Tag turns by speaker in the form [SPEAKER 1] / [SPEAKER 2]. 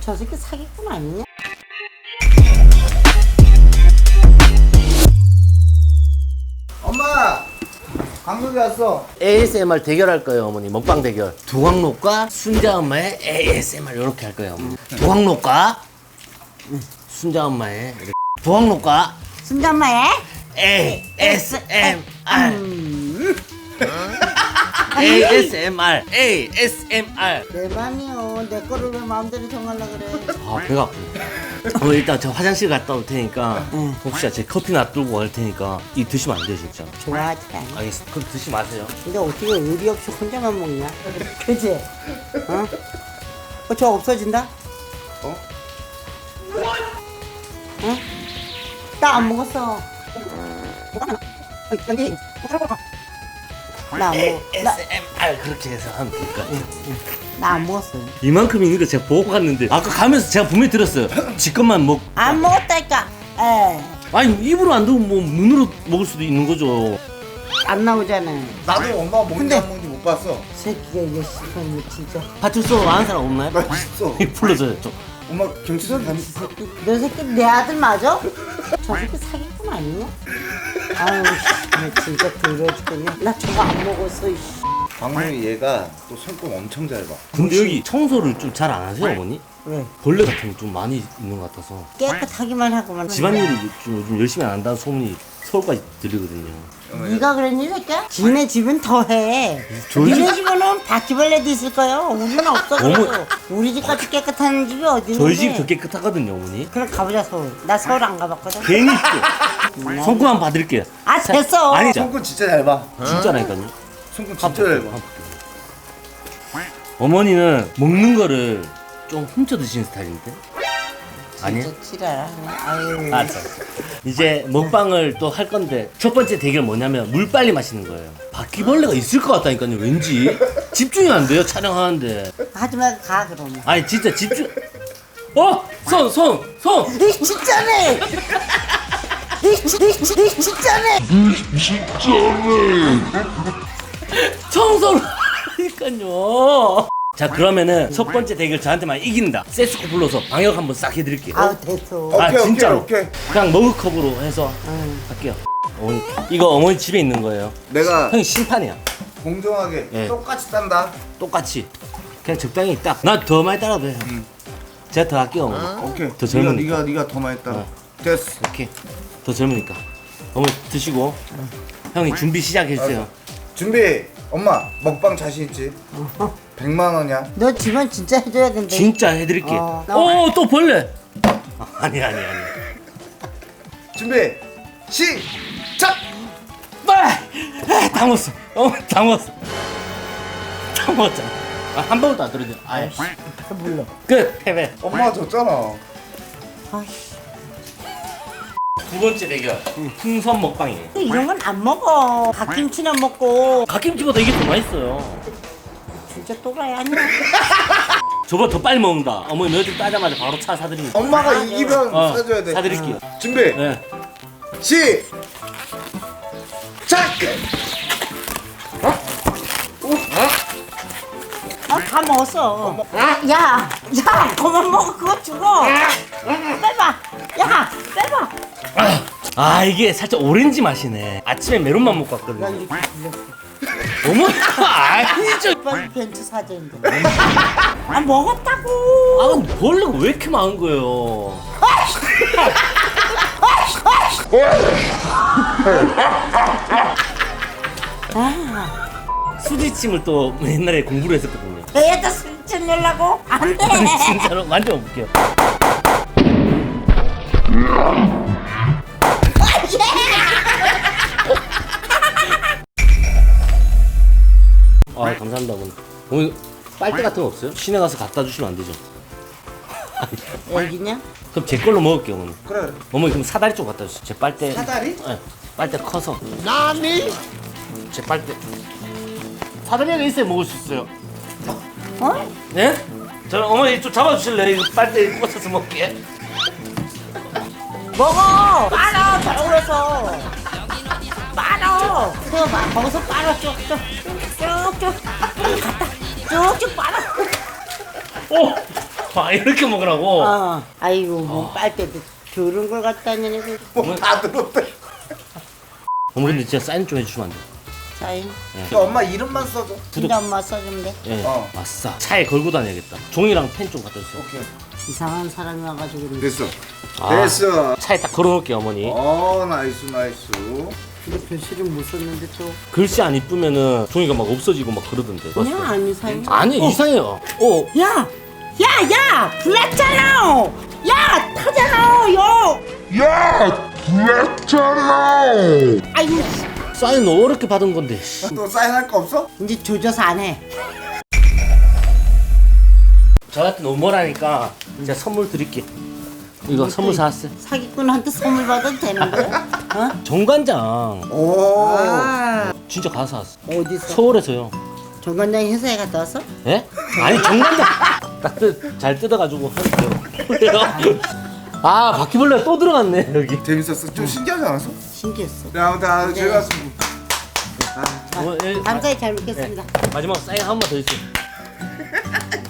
[SPEAKER 1] 저 새끼 사기꾼 아니냐?
[SPEAKER 2] 엄마! 강석이 왔어.
[SPEAKER 3] ASMR 대결할 거예요, 어머니. 먹방 대결. 두광록과 순자 엄마의 ASMR 이렇게 할 거예요, 어머니. 두광록과 순자 엄마의 이렇게. 두광록과
[SPEAKER 1] 순자엄마의
[SPEAKER 3] ASMR. ASMR. ASMR.
[SPEAKER 1] 내 맘이요. 내 거를 왜 마음대로 정하려 그래?
[SPEAKER 3] 아, 배가 아프네. 일단 저 화장실 갔다 올 테니까 혹시 제 커피 놔두고 갈 테니까 이 드시면 안 돼요, 진짜.
[SPEAKER 1] 좋아하지 않아.
[SPEAKER 3] 알겠습니다. 그럼 드시 마세요.
[SPEAKER 1] 근데 어떻게 의리 없이 혼자만 먹냐? 그지? 어? 저 없어진다?
[SPEAKER 2] 어?
[SPEAKER 1] 어? 나 안 먹었어. 여기 나 안 먹어.
[SPEAKER 3] ASMR 그렇게 해서 하면 될 것 같아요.
[SPEAKER 1] 나 안 먹었어요.
[SPEAKER 3] 이만큼 있는 거 제가 보고 갔는데 아까 가면서 제가 분명히 들었어요. 지 것만 먹.
[SPEAKER 1] 안 먹었다니까. 에.
[SPEAKER 3] 아니 입으로 안 들고 뭐 눈으로 먹을 수도 있는 거죠.
[SPEAKER 1] 안 나오잖아.
[SPEAKER 2] 나도 엄마가 먹는지
[SPEAKER 1] 근데-
[SPEAKER 2] 안 먹는지 못 봤어.
[SPEAKER 1] 새끼가 이거 씨발 진짜.
[SPEAKER 3] 파출소 아는 사람 없나요?
[SPEAKER 2] 맛있어.
[SPEAKER 3] 불러줘요 좀.
[SPEAKER 2] 엄마 경치선 간.
[SPEAKER 1] 너 새끼 내 아들 맞아? 저 새끼 사기꾼 아니냐? 아유 씨, 나 진짜 더러워 죽겠네. 나 저거 안 먹었어. 이 씨.
[SPEAKER 2] 강석이 얘가 또 손금 엄청 잘 봐.
[SPEAKER 3] 근데 여기 청소를 좀 잘 안 하세요, 어머니?
[SPEAKER 1] 왜?
[SPEAKER 3] 벌레 같은 게 좀 많이 있는 것 같아서.
[SPEAKER 1] 깨끗하기만 하고만.
[SPEAKER 3] 집안일을 좀 요즘 열심히 안 한다는 소문이 서울까지 들리거든요.
[SPEAKER 1] 네가 그랬니 새끼야? 지네 집은 더해. 니네 집에는 바퀴벌레도 있을 거요. 우리는 없어 그래도. 우리 집같이 깨끗한 집이 어디 있는데?
[SPEAKER 3] 저희 집이 더 깨끗하거든요, 어머니.
[SPEAKER 1] 그럼 가보자 서울. 나 서울 안 가봤거든.
[SPEAKER 3] 괜히 또 손금 한번 봐드릴게요.
[SPEAKER 1] 아 됐어.
[SPEAKER 3] 아니 진짜.
[SPEAKER 2] 손금 진짜 잘 봐.
[SPEAKER 3] 진짜라니까요.
[SPEAKER 2] 손금 진짜 잘 봐.
[SPEAKER 3] 어머니는 먹는 거를 좀 훔쳐 드시는 스타일인데? 아니에요?
[SPEAKER 1] 진짜 지랄하네. 아유.
[SPEAKER 3] 알았어. 이제 먹방을 또 할 건데 첫 번째 대결 뭐냐면 물 빨리 마시는 거예요. 바퀴벌레가 있을 것 같다니까요. 왠지 집중이 안 돼요 촬영하는데.
[SPEAKER 1] 하지 말고 가 그러면.
[SPEAKER 3] 아니 진짜 집중. 손.
[SPEAKER 1] 이 진짜네. 이 진짜네.
[SPEAKER 3] 청소를 하니까요. 자 그러면은 첫 번째 대결 저한테만 이긴다. 세스코 불러서 방역 한번 싹 해드릴게요.
[SPEAKER 1] 아우 됐어.
[SPEAKER 2] 오케이,
[SPEAKER 3] 진짜로.
[SPEAKER 2] 오케이.
[SPEAKER 3] 그냥 머그컵으로 해서 할게요. 어머니, 이거 어머니 집에 있는 거예요.
[SPEAKER 2] 내가
[SPEAKER 3] 형이 심판이야.
[SPEAKER 2] 공정하게
[SPEAKER 3] 예.
[SPEAKER 2] 똑같이 딴다.
[SPEAKER 3] 똑같이 그냥 적당히 딱. 나 더 많이 따라도 돼요. 제가 더 할게요 어머니.
[SPEAKER 2] 오케이.
[SPEAKER 3] 더 젊으니까.
[SPEAKER 2] 네가 더 많이 따.
[SPEAKER 3] 어.
[SPEAKER 2] 됐어.
[SPEAKER 3] 이렇게 더 젊으니까. 어머니 드시고 형이 준비 시작해주세요.
[SPEAKER 2] 준비. 엄마 먹방 자신 있지? 100만 원이야.
[SPEAKER 1] 너 집안 진짜 해줘야 된다.
[SPEAKER 3] 진짜 해드릴게.
[SPEAKER 1] 어.
[SPEAKER 3] 또 벌레. 아니.
[SPEAKER 2] 준비. 시작.
[SPEAKER 3] 다 먹었어. 다 먹었어. 다 먹었잖아. 한 방울도 안 떨어져. 아예.
[SPEAKER 1] 몰라.
[SPEAKER 3] 끝. 패배.
[SPEAKER 2] 엄마가 졌잖아.
[SPEAKER 1] 아이씨.
[SPEAKER 3] 두 번째 대결. 풍선 먹방이에요.
[SPEAKER 1] 이런 건 안 먹어. 갓김치나 먹고.
[SPEAKER 3] 갓김치보다 이게 더 맛있어요.
[SPEAKER 1] 진짜 또라이 아니야?
[SPEAKER 3] 저보다 더 빨리 먹는다. 어머니 며칠 따자마자 바로 차 사드립니다.
[SPEAKER 2] 엄마가 이기면 사줘야 돼.
[SPEAKER 3] 사드릴게요.
[SPEAKER 2] 준비.
[SPEAKER 3] 네.
[SPEAKER 2] 시작.
[SPEAKER 1] 다 먹었어. 야, 그만 먹어. 그거 죽어. 빼봐. 야, 빼봐.
[SPEAKER 3] 이게 살짝 오렌지 맛이네. 아침에 메론만 먹고 왔거든요.
[SPEAKER 1] 이렇게 불렸어.
[SPEAKER 3] 어머니 아니죠.
[SPEAKER 1] 이번 벤츠 사진인데. 아 먹었다고.
[SPEAKER 3] 근데 벌레가 왜 이렇게 많은 거예요? 수지침을 또 옛날에 공부를 했었거든요.
[SPEAKER 1] 애다 술집 내려고? 안 돼.
[SPEAKER 3] 아니 진짜로 만져볼게요. 감사합니다 어머니. 어머니 빨대 같은 거 없어요? 시내 가서 갖다 주시면 안 되죠?
[SPEAKER 1] 애기냐?
[SPEAKER 3] 그럼 제 걸로 먹을게요 어머니.
[SPEAKER 2] 그래.
[SPEAKER 3] 어머니 그럼 사다리 좀 갖다 주세요. 제 빨대.
[SPEAKER 2] 사다리?
[SPEAKER 3] 네. 빨대 커서. 제 빨대. 사다리가 있어야 먹을 수 있어요.
[SPEAKER 1] 어?
[SPEAKER 3] 네? 저 어머니 좀 잡아주실래요? 이거 빨대 꽂아서 먹게.
[SPEAKER 1] 먹어. 빨아. 저러고서. 빨아. 그거 막 거기서 빨아 쭉쭉. 쭉쭉. 갔다. 쭉쭉 빨아.
[SPEAKER 3] 오! 아, 이렇게 먹으라고.
[SPEAKER 1] 아이고 뭐 빨대도 저런 걸 갖다 내고
[SPEAKER 2] 뭐다 들었대.
[SPEAKER 3] 어머니 근데 진짜 사인 좀 해주시면 안 돼?
[SPEAKER 1] 사인.
[SPEAKER 2] 엄마 이름만 써줘.
[SPEAKER 1] 진짜 엄마 써주면 돼.
[SPEAKER 3] 예.
[SPEAKER 2] 어.
[SPEAKER 3] 아싸. 차에 걸고 다녀야겠다. 종이랑 펜 좀 갖다 주세요.
[SPEAKER 2] 오케이.
[SPEAKER 1] 이상한 사람이 와가지고 그래.
[SPEAKER 2] 됐어.
[SPEAKER 3] 아.
[SPEAKER 2] 됐어.
[SPEAKER 3] 차에 딱 걸어놓을게요 어머니.
[SPEAKER 2] 나이스 나이스.
[SPEAKER 1] 근데 글씨를 못 썼는데 또
[SPEAKER 3] 글씨 안 이쁘면은 종이가 막 없어지고 막 그러던데.
[SPEAKER 1] 그냥
[SPEAKER 3] 봤어요?
[SPEAKER 1] 안 이상해.
[SPEAKER 3] 아니 이상해요.
[SPEAKER 1] 야! 야! 불났잖아! 야! 타잖아! 야! 아이고
[SPEAKER 3] 사인 어렵게 받은 건데.
[SPEAKER 2] 또 사인할 거 없어?
[SPEAKER 1] 이제 조져서 안 해.
[SPEAKER 3] 저 같은 오머라니까 제가 선물 드릴게. 이거 선물 사왔어요.
[SPEAKER 1] 사기꾼한테 선물 받아도 되는 거야? 어?
[SPEAKER 3] 정관장.
[SPEAKER 2] 오.
[SPEAKER 1] 아
[SPEAKER 3] 진짜 가서 왔어.
[SPEAKER 1] 어디서?
[SPEAKER 3] 서울에서요.
[SPEAKER 1] 정관장이 회사에 갔다 왔어?
[SPEAKER 3] 예? 아니 정관장. 잘 뜯어가지고 할게요. 아 바퀴벌레가 또 들어갔네 여기.
[SPEAKER 2] 재밌었어. 좀 신기하지 않았어?
[SPEAKER 1] 신기했어.
[SPEAKER 2] 네, 아무튼 아주 즐거웠습니다.
[SPEAKER 3] 예,
[SPEAKER 1] 감사히 잘 먹겠습니다.
[SPEAKER 3] 마지막 사인 한 번 더 해주세요.